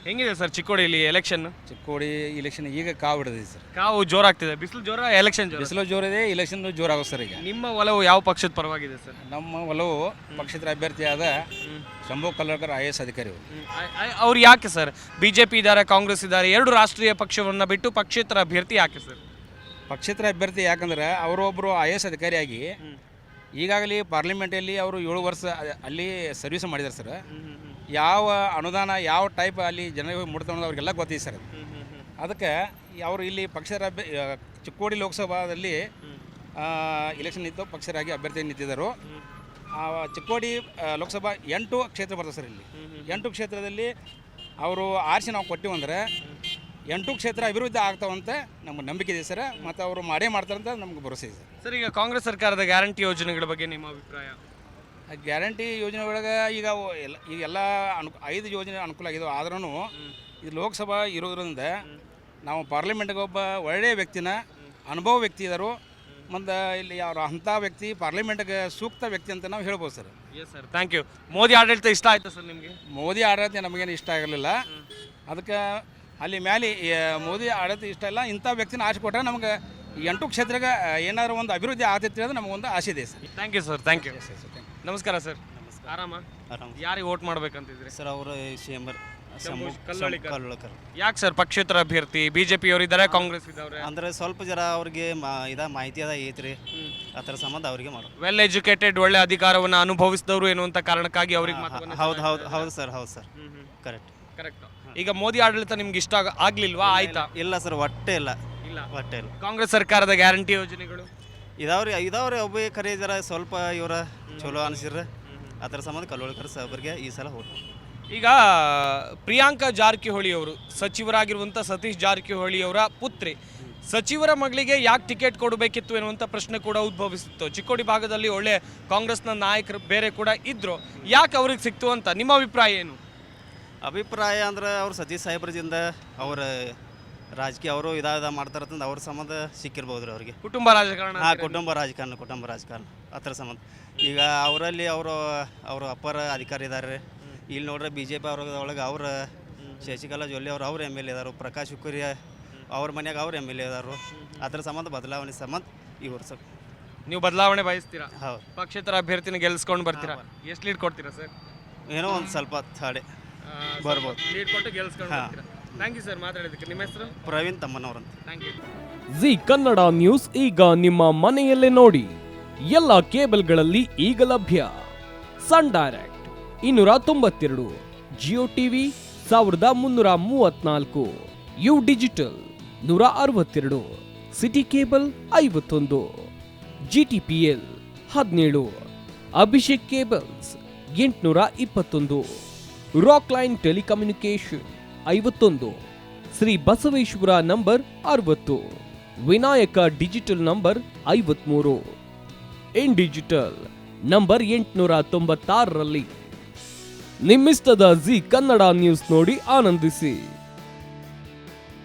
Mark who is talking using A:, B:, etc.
A: ಹೆಂಗಿದೆ ಸರ್ ಚಿಕ್ಕೋಡಿಯಲ್ಲಿ election?
B: Chikkodi election ಈಗ ಕಾವು ಹಿಡಿದಿದೆ ಸರ್.
A: ಕಾವು ಜೋರಾಗ್ತಿದೆ, ಬಿಸಿಲು ಜೋರ, ಎಲೆಕ್ಷನ್ ಜೋರ.
B: ಬಿಸಿಲು ಜೋರಿದೆ, ಇಲೆಕ್ಷನ್ ಜೋರಾಗೋ ಸರ್. ಈಗ
A: ನಿಮ್ಮ ಒಲವು ಯಾವ ಪಕ್ಷದ ಪರವಾಗಿದೆ ಸರ್?
B: ನಮ್ಮ ಒಲವು ಪಕ್ಷೇತರ ಅಭ್ಯರ್ಥಿಯಾದ ಶಂಭು ಕಲ್ಲಡ್ಕರ್ IAS ಅಧಿಕಾರಿ ಅವರು.
A: ಅವ್ರು ಯಾಕೆ ಸರ್? ಬಿಜೆಪಿ ಇದ್ದಾರೆ, ಕಾಂಗ್ರೆಸ್ ಇದ್ದಾರೆ, ಎರಡು ರಾಷ್ಟ್ರೀಯ ಪಕ್ಷವನ್ನು ಬಿಟ್ಟು ಪಕ್ಷೇತರ ಅಭ್ಯರ್ಥಿ ಯಾಕೆ ಸರ್?
B: ಪಕ್ಷೇತರ ಅಭ್ಯರ್ಥಿ ಯಾಕಂದ್ರೆ ಅವರೊಬ್ಬರು IAS ಅಧಿಕಾರಿಯಾಗಿ ಈಗಾಗಲೇ ಪಾರ್ಲಿಮೆಂಟಲ್ಲಿ ಅವರು 7 ವರ್ಷ ಅಲ್ಲಿ ಸರ್ವಿಸ್ ಮಾಡಿದ್ದಾರೆ ಸರ್. ಯಾವ ಅನುದಾನ ಯಾವ ಟೈಪ್ ಅಲ್ಲಿ ಜನರಿಗೆ ಮುಡ್ತಾ ಅನ್ನೋದು ಅವ್ರಿಗೆಲ್ಲ ಗೊತ್ತಿದೆ ಸರ್. ಅದಕ್ಕೆ ಅವರು ಇಲ್ಲಿ ಪಕ್ಷೇತರ ಚಿಕ್ಕೋಡಿ ಲೋಕಸಭಾದಲ್ಲಿ ಇಲೆಕ್ಷನ್ ನಿಂತು ಪಕ್ಷರಾಗಿ ಅಭ್ಯರ್ಥಿ ನಿಂತಿದ್ದರು. ಚಿಕ್ಕೋಡಿ ಲೋಕಸಭಾ 8 ಕ್ಷೇತ್ರ ಬರ್ತದೆ ಸರ್. ಇಲ್ಲಿ 8 ಕ್ಷೇತ್ರದಲ್ಲಿ ಅವರು ಆರಿಸಿ ನಾವು ಕೊಟ್ಟಿವಂದ್ರೆ 8 ಕ್ಷೇತ್ರ ಅಭಿವೃದ್ಧಿ ಆಗ್ತಾವಂತ ನಮ್ಗೆ ನಂಬಿಕೆ ಇದೆ ಸರ್. ಮತ್ತು ಅವರು ಮಾಡೇ ಮಾಡ್ತಾರಂತ ನಮ್ಗೆ ಭರವಸೆ ಇದೆ
A: ಸರ್. ಈಗ ಕಾಂಗ್ರೆಸ್ ಸರ್ಕಾರದ ಗ್ಯಾರಂಟಿ ಯೋಜನೆಗಳ ಬಗ್ಗೆ ನಿಮ್ಮ ಅಭಿಪ್ರಾಯ?
B: ಗ್ಯಾರಂಟಿ ಯೋಜನೆ ಒಳಗೆ ಈಗೆಲ್ಲ 5 ಯೋಜನೆ ಅನುಕೂಲ ಆಗಿದಾವೆ. ಆದ್ರೂ ಇದು ಲೋಕಸಭಾ ಇರೋದ್ರಿಂದ ನಾವು ಪಾರ್ಲಿಮೆಂಟ್ಗೆ ಒಬ್ಬ ಒಳ್ಳೆಯ ವ್ಯಕ್ತಿನ ಅನುಭವ ವ್ಯಕ್ತಿ ಇದ್ದರು. ಮತ್ತು ಇಲ್ಲಿ ಅವ್ರು ಅಂಥ ವ್ಯಕ್ತಿ ಪಾರ್ಲಿಮೆಂಟ್ಗೆ ಸೂಕ್ತ ವ್ಯಕ್ತಿ ಅಂತ ನಾವು ಹೇಳ್ಬೋದು sir.
A: Yes sir, thank you. Modi ಆಡಳಿತ ಇಷ್ಟ ಆಯ್ತಾ ಸರ್ ನಿಮಗೆ?
B: ಮೋದಿ ಆಡಳಿತ ನಮಗೇನು ಇಷ್ಟ ಆಗಿರಲಿಲ್ಲ. ಅದಕ್ಕೆ ಅಲ್ಲಿ ಮೇಲೆ ಮೋದಿ ಆಡಳಿತ ಇಷ್ಟ ಇಲ್ಲ. ಇಂಥ ವ್ಯಕ್ತಿನ ಆಸೆ ಕೊಟ್ಟರೆ ನಮಗೆ 8 ಕ್ಷೇತ್ರಕ್ಕೆ ಏನಾದರೂ ಒಂದು ಅಭಿವೃದ್ಧಿ ಆಗ್ತೈತಿ ಅನ್ನೋದು ನಮಗೊಂದು ಆಸೆ ಇದೆ sir.
A: Thank you sir, thank you. ನಮಸ್ಕಾರ ಸರ್. ಆರಾಮ? ಯಾರಿಗೆ ವೋಟ್ ಮಾಡ್ಬೇಕಂತಿದ್ರಿ
C: ಸರ್? ಅವರು ಕಲ್ಲೋಳ್ಕರ್.
A: ಯಾಕೆ ಸರ್ ಪಕ್ಷೇತರ ಅಭ್ಯರ್ಥಿ? ಬಿಜೆಪಿ ಅವರು ಇದ್ದಾರೆ, ಕಾಂಗ್ರೆಸ್ ಇದ್ದಾರೆ.
C: ಅಂದ್ರೆ ಸ್ವಲ್ಪ ಜರ ಅವ್ರಿಗೆ ಮಾಹಿತಿ ಅದ ಐತ್ರಿ, ಅದರ ಸಂಬಂಧ ಅವ್ರಿಗೆ ಮಾಡೋದು.
A: ವೆಲ್ ಎಜುಕೇಟೆಡ್, ಒಳ್ಳೆ ಅಧಿಕಾರವನ್ನು ಅನುಭವಿಸಿದವರು ಎನ್ನುವಂಥ ಕಾರಣಕ್ಕಾಗಿ ಅವ್ರಿಗೆ
C: ಹೌದು ಸರ್. ಕರೆಕ್ಟ್.
A: ಈಗ ಮೋದಿ ಆಡಳಿತ ನಿಮ್ಗೆ ಇಷ್ಟ ಆಗ್ಲಿಲ್ವಾ? ಆಯ್ತಾ?
C: ಇಲ್ಲ ಸರ್, ಒಟ್ಟೆ ಇಲ್ಲ.
A: ಕಾಂಗ್ರೆಸ್ ಸರ್ಕಾರದ ಗ್ಯಾರಂಟಿ ಯೋಜನೆಗಳು
C: ಇದಾವ್ರಿ ಒಬ್ಬ ಕರೆ ಜರ ಸ್ವಲ್ಪ ಇವರ ಚಲೋ ಅನಿಸಿರ, ಅದರ ಸಂಬಂಧ ಕಲ್ಲೋಳ್ಕರ್ ಸಾಹೇಬರಿಗೆ ಈ ಸಲ ಹೋಗಿ.
A: ಈಗ ಪ್ರಿಯಾಂಕಾ ಜಾರಕಿಹೊಳಿ ಅವರು ಸಚಿವರಾಗಿರುವಂಥ ಸತೀಶ್ ಜಾರಕಿಹೊಳಿ ಅವರ ಪುತ್ರಿ, ಸಚಿವರ ಮಗಳಿಗೆ ಯಾಕೆ ಟಿಕೆಟ್ ಕೊಡಬೇಕಿತ್ತು ಎನ್ನುವಂಥ ಪ್ರಶ್ನೆ ಕೂಡ ಉದ್ಭವಿಸಿತ್ತು. ಚಿಕ್ಕೋಡಿ ಭಾಗದಲ್ಲಿ ಒಳ್ಳೆ ಕಾಂಗ್ರೆಸ್ನ ನಾಯಕರು ಬೇರೆ ಕೂಡ ಇದ್ರು, ಯಾಕೆ ಅವ್ರಿಗೆ ಸಿಕ್ತು ಅಂತ ನಿಮ್ಮ ಅಭಿಪ್ರಾಯ ಏನು?
C: ಅಭಿಪ್ರಾಯ ಅಂದ್ರೆ ಅವ್ರು ಸತೀಶ್ ಸಾಹೇಬ್ರದಿಂದ ಅವ್ರ ರಾಜಕೀಯ ಅವರು ಮಾಡ್ತಾರಂತಂದು ಅವ್ರ ಸಂಬಂಧ ಸಿಕ್ಕಿರ್ಬೋದು ರೀ ಅವ್ರಿಗೆ.
A: ಕುಟುಂಬ ರಾಜಕಾರಣ.
C: ಕುಟುಂಬ ರಾಜಕಾರಣ ಅದರ ಸಂಬಂಧ. ಈಗ ಅವರಲ್ಲಿ ಅವರು ಅಪ್ಪರ ಅಧಿಕಾರಿ ಇದ್ದಾರೆ. ಇಲ್ಲಿ ನೋಡ್ರೆ BJP ಒಳಗೆ ಅವ್ರ ಶಶಿಕಲಾ ಜೊಲ್ಲೆ ಅವ್ರ MLA ಇದಾರು, ಪ್ರಕಾಶ್ ಹುಕ್ಕುರಿ ಅವ್ರ ಮನ್ಯಾಗ ಅವ್ರ MLA ಇದಾರು. ಅದರ ಸಂಬಂಧ ಬದಲಾವಣೆ ಸಂಬಂಧ ಇವರು ಸರ್.
A: ನೀವು ಬದಲಾವಣೆ ಬಯಸ್ತೀರಾ?
C: ಹೌದು.
A: ಪಕ್ಷೇತರ ಅಭ್ಯರ್ಥಿನ ಗೆಲ್ಸ್ಕೊಂಡು ಬರ್ತೀರಾ? ಎಷ್ಟು ಲೀಡ್ ಕೊಡ್ತೀರಾ ಸರ್?
C: ಏನೋ ಒಂದು ಸ್ವಲ್ಪ ಥಾಡೆ ಬರ್ಬೋದು.
A: ಲೀಡ್ ಕೊಟ್ಟು ಗೆಲ್ಸ್ಕೊಂಡು ಬರ್ತೀರಾ? ಥ್ಯಾಂಕ್ ಯು ಸರ್ ಮಾತಾಡೋದಕ್ಕೆ. ನಿಮ್ಮ ಹೆಸರು?
C: ಪ್ರವೀಣ್ ತಮ್ಮನವರಂತ.
A: Thank you.
D: Zee Kannada news ಈಗ ನಿಮ್ಮ ಮನೆಯಲ್ಲೇ ನೋಡಿ. ಎಲ್ಲ ಕೇಬಲ್ಗಳಲ್ಲಿ ಈಗ ಲಭ್ಯ. Sun Direct 292, Jio TV 1334, U digital 162, Siti cable 51, GTPL 17, Abhishek cables 821, Rockline telecommunication 51, Shri Basaveshwara number 60, Vinayaka digital number 53, in digital number 896ರಲ್ಲಿ. ನಿಮ್ಮಿಸ್ತದ ಜಿ ಕನ್ನಡ ನ್ಯೂಸ್ ನೋಡಿ ಆನಂದಿಸಿ.